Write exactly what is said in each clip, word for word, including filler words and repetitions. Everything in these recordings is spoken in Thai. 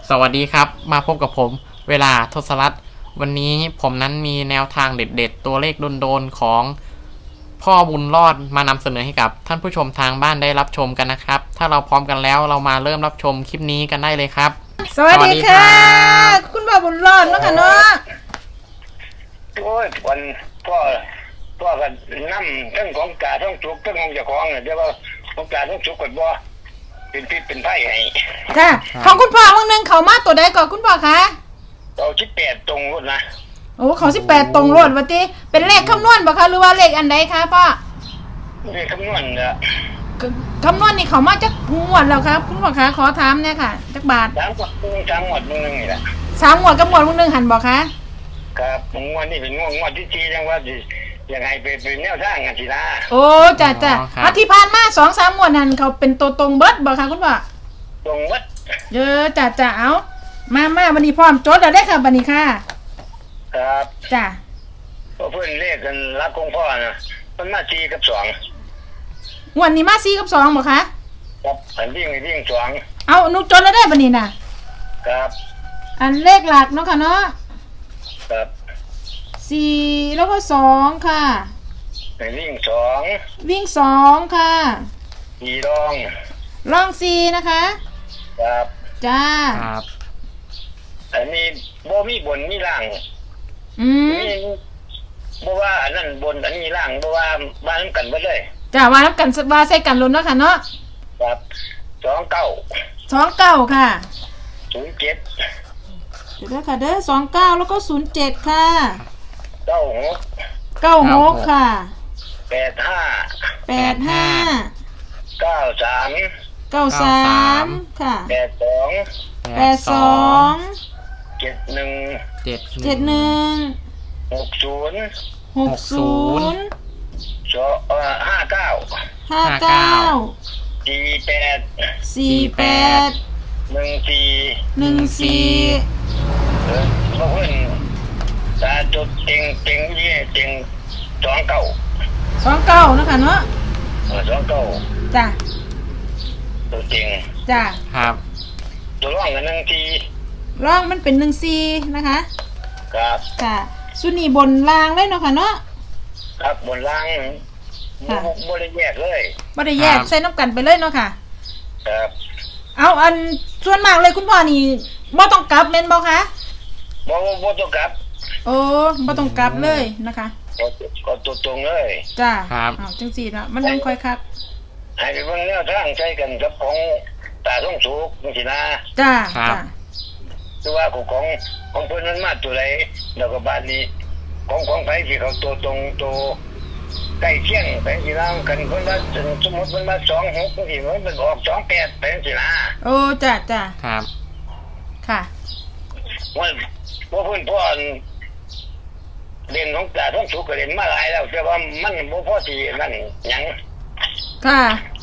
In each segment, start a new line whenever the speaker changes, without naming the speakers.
สวัสดีครับมาพบกับผมเวลาทศรัตน์วันนี้ผมนั้นมีแนวทางเด็ดๆตัวเลขโดนๆของพ่อบุญรอดมานำเสนอให้กับท่านผู้ชมทางบ้านได้รับชมกันนะครับถ้าเราพร้อมกันแล้วเรามาเริ่มรับชมคลิปนี้กันได้เลยครับ
สวัสดีค่ะคุณพ่อบุญรอดเนาะค่ะเนาะ
โอ้ยวันพ่อพ่อกันนั่ทั้งของกาทั้งจุกทั้งของเจ้าของเนี่ยเดี๋ยวว่าของกาทั้งจุกกันบ่เป็นพิษเป็นไผ่ให้
ค่ะของคุณพ่อวันนึงเขามาตัวใดก่อนคุณพ่อคะ
เราคิดแปดตรงรุ่นนะ
โอ้เขาสิบแปดตรงรถวะติเป็นเลขคำนวณบ่คะหรือว่าเลขอันใดคะพ่อ
เลขคำนวณเนี่ย
คำนวณนี่เขามาจากงวดแล้วครับคุณพ่อคะขอถามเนี่ยค่ะจักบาท
สามงวดสามงวดนึงนี่แหละ
สามงวดกับงวดนึงหันบ่คะ
ครับงวดนี่เป็นงวดงวดที่สี่จังว่าสิยังไงเป็นเป็นแนวทางกันสินะ
โอ้จ้ะจ้ะอาทิตย์ผ่านมาสองสามงวดหันเขาเป็นตัวตรงเบิดบ่คะคุณพ่อ
ตรงเบิด
เยอะจ้ะจ้ะเอามามาวันนี้พร้อมจดแล้วได้ค่ะบัดนี้ค่ะ
ครับ
จ้ะ
พอเพื่อนเลขกันรับของพ่อนะมันมาสี่กับสอง
งวดนี้มาสี่กับสองบ่คะ
ครับอันวิ่งวิ่งสอง
เอาหนูจดแล้วได้บัดนี้น่ะ
ครับ
อันเลขหลักเนาะค่ะเนาะ
ครับ
สี่แล้วก็สองค่ะ
วิ่งสอง
วิ่งสองค่ะ
สี่รอง
รองสี่นะคะ
ครับ
จ้า
ครับ
อันนี้บ่มีบนมีล่าง
อืม
บ่ว่าอันนั้นบนอันนี้ล่างบ่ว่าบ้านกันเบิดเลย
จ้าว่าน้ำกันว่าใส่กันลุ้นเนาะค่ะเนาะ
ครับสองเก้า
สองเก้าค่ะ
ศูนย์เจ็ด
เดี๋ยวค่ะเด้อสองเก้าแล้วก็ศูนย์เจ็ดค่ะ
เก้าหก
เก้าหกค่ะ
แปดห้า
แปดห้า
เก้าสาม
เก้าสามค่ะ
แปดสอง
แปดสอง
เจ็ดหนึ่ง
เจ็ด
เจ็ดหนึ่ง
หกศูนย์
หกศูนย์
สองเอ่อห้าเก้า
ห้าเก้า
สี่แปด
สี่แปด
หนึ่งสี่
หนึ่งสี่
เออพวกเพื่อนตาจุดเต็งเต็งยี่เต็งสองเก้า
สองเก้านะคะเนาะ
เออสองเก้า
จ้ะ
ตัวเต็ง
จ้ะ
ครับ
ตัวร่องกันหนึ่งที
ร่องมันเป็นหนึ่งสี่นะคะ
ครับ
ค่ะสุนีบนรางเลยเนาะค่ะเนาะ
ครับบนล่างบริแยกเลย
บริแยกใส่น้ำกันไปเลยเนาะค่ะ
ครับ
เอาอันส่วนมากเลยคุณพ่อนี่บ่ต้องกลับเม่นบ่คะ
บ่บ่ต้องกลับ
โอ้บ่ต้องกลับเลยนะคะ
ก็ตัวตรงเลย
จ้าครับอ้าวจังซี่เนาะมันยังค่อยคัก
ให้ไปเบิ่งแนวทางใช้กันกับของตาท่องสุกจังซี่นะ
จ้าจ้า
คือว่าของของของเพิ่นนั้นมาตัวใดแล้วก็บาดนี้ของของไผสิเขาตัวตรงตัวใกล้เคียงไปสิล่ะกันเพิ่นว่าสมมุติเพิ่นว่าสองหกจังซี่มันเป็นออกสองแปดไปจังซี่นะ
โอ้จ้าจ้า
ครับ
ค่ะ
ว่าว่าเพิ่นพ่อเรียนของตาท่องสุกก็เรียนมาหลายแล้วแต่ว่ามันบ่พอสินั่นหยัง
ค่ะ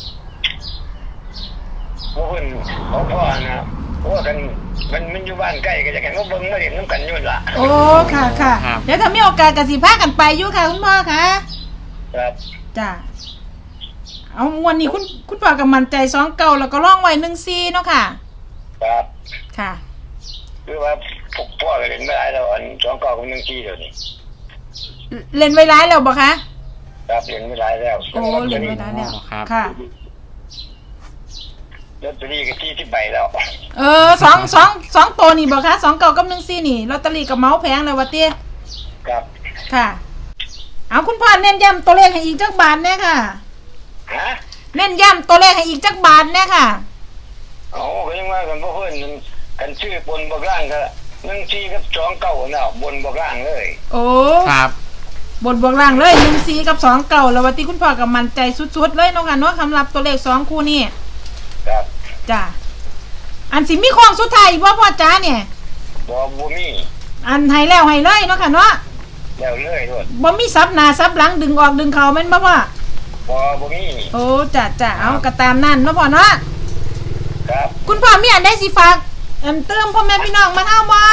ว่าเพิ่นของพ่อนะว่ากันมันมันอยู่บ้านใกล้ก็จะกันก็เบิ่งมาเรียนน้ำกันอยู่ล่ะ
โอ้ค่ะค่ะเดี๋ยวถ้ามีโอกาสก็สิพากันไปอยู่ค่ะคุณพ่อค่ะ
ครับ
จ้าเอาวันนี้คุณคุณพ่อก็มั่นใจสองเก้าแล้วก็ร่องไว้หนึ่งสี่เนาะค่ะ
ครับ
ค่ะ
คือว่าพวกพ่อก็เรียนไม่ได้แล้วอันสองเก้ากับหนึ่งสี่เดี๋ยวนี้
เล่นไว้ร้ายแล้วบ่คะ
ครับเรียนไม่ได้แล้ว
โอ้เรียนไม่ได้แล้วค่ะ
ลอตเตอรี่ก็ที่ที่ใบแล้ว
เออสองสองสองตัวนี่บ่คะสองเก้ากับหนึ่งสี่นี่ลอตเตอรี่กับเมาส์แพงเลยวะเตี้ย
ครับ
ค่ะเอาคุณพ่อเน้นย้ำตัวเลขให้อีกจักบาทแน่ค่ะ
ฮะ
เน้นย้ำตัวเลขให้อีกจักบาทแน่ค่ะ
โอ้ก็ยังว่ากันเพราะเพื่อนกันชื่อบนบกล่างก็หนึ่งสี่กับสองเก้าเนาะบนบกล่างเลย
โอ้
ครับ
บนบวกล่างเลยหนึ่งสี่กับสองเก้าแล้ววันที่คุณพ่อกับมั่นใจสุดๆเลยเนาะค่ะเนาะสำหรับตัวเลขสองคู่นี่
ครับ
จ้าอันสิมีของสุดท้ายบ่พ่อจ้าเนี่ย
บ่บ่มี
อันให้แล้วให้เลยเนาะค่ะเนาะ
แล้วเลยโลด
บ่มีซับหน้าซับหลังดึงออกดึงเข้าแม่นบ่พ่อ
บ่บ่มี
โอ้จ้าจ้าเอาก็ตามนั้นเนาะพ่อเนาะ
ครับ
คุณพ่อมีอันใดสิฝากอันเติมพ่อแม่พี่น้องมาเฮาบ่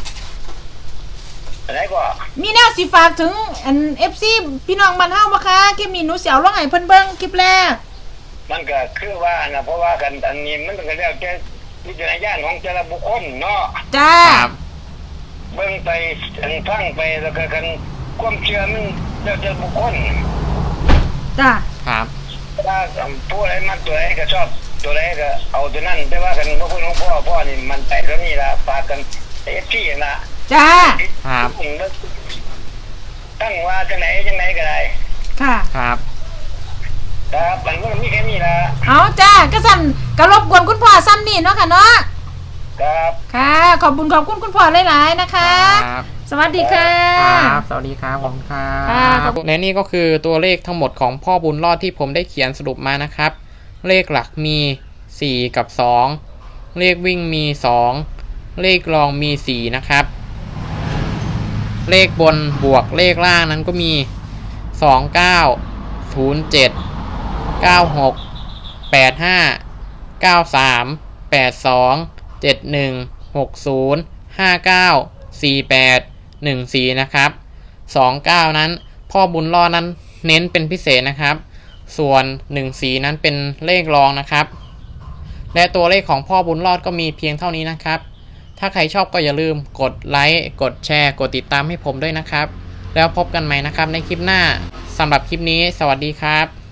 อะไรก็
มีแนวสิฝากถึงอัน เอฟ ซี พี่น้องบ้านเฮาบ่คะคลิปนี้หนูสิเอาลงให้เพิ่นเบิ่งคลิปแรก
มันก็คือว่านะเพราะว่ากันอันนี้มันก็แล้วแต่วิจารณญาณของแต่ละบุคคลเนาะ
จ้า
ครับ
เบิ่งไปอันฟังไปแล้วก็กันความเชื่อมันแล้วแต่บุคคล
จ้า
ครับ
ถ้าผู้ใดมักตัวใดก็ชอบตัวใดก็เอาตัวนั้นแต่ว่ากันพระคุณหลวงพ่อพ่อนี่มันใจเท่านี้ล่ะฝากกันเอฟซีนะ
จ้า
ครับ
ตั้งว่าจังไหนจังไหนก็ได้
ค่ะ
ครับ
ครับมันก็มีแค่นี้ล่ะ
เอาจ้าก็สั่นกระรบกวนคุณพ่อซ้ำนี่เนาะค่ะเนาะ
ครับ
ค่ะ ขอบคุณขอบคุณคุณพ่อหลายๆนะคะ
ครับ
สวัสดีค่ะ
ครับ สวัสดีครับผมครั
ค่ะ
บและนี่ก็คือตัวเลขทั้งหมดของพ่อบุญรอดที่ผมได้เขียนสรุปมานะครับ เลขหลักมีสี่กับสองเลขวิ่งมีสองเลขรองมีสี่นะครับ เลขบนบวกเลขล่างนั้นก็มีสองเก้าศูนย์เจ็ดเก้าหกแปดห้าเก้าสามแปดสองเจ็ดหนึ่งหกศูนย์ห้าเก้าสี่แปดหนึ่งสี่นะครับสองเก้านั้นพ่อบุญรอดนั้นเน้นเป็นพิเศษนะครับ ส่วนหนึ่งสี่นั้นเป็นเลขรองนะครับ และตัวเลขของพ่อบุญรอดก็มีเพียงเท่านี้นะครับ ถ้าใครชอบก็อย่าลืมกดไลค์กดแชร์กดติดตามให้ผมด้วยนะครับ แล้วพบกันใหม่นะครับในคลิปหน้าสำหรับคลิปนี้สวัสดีครับ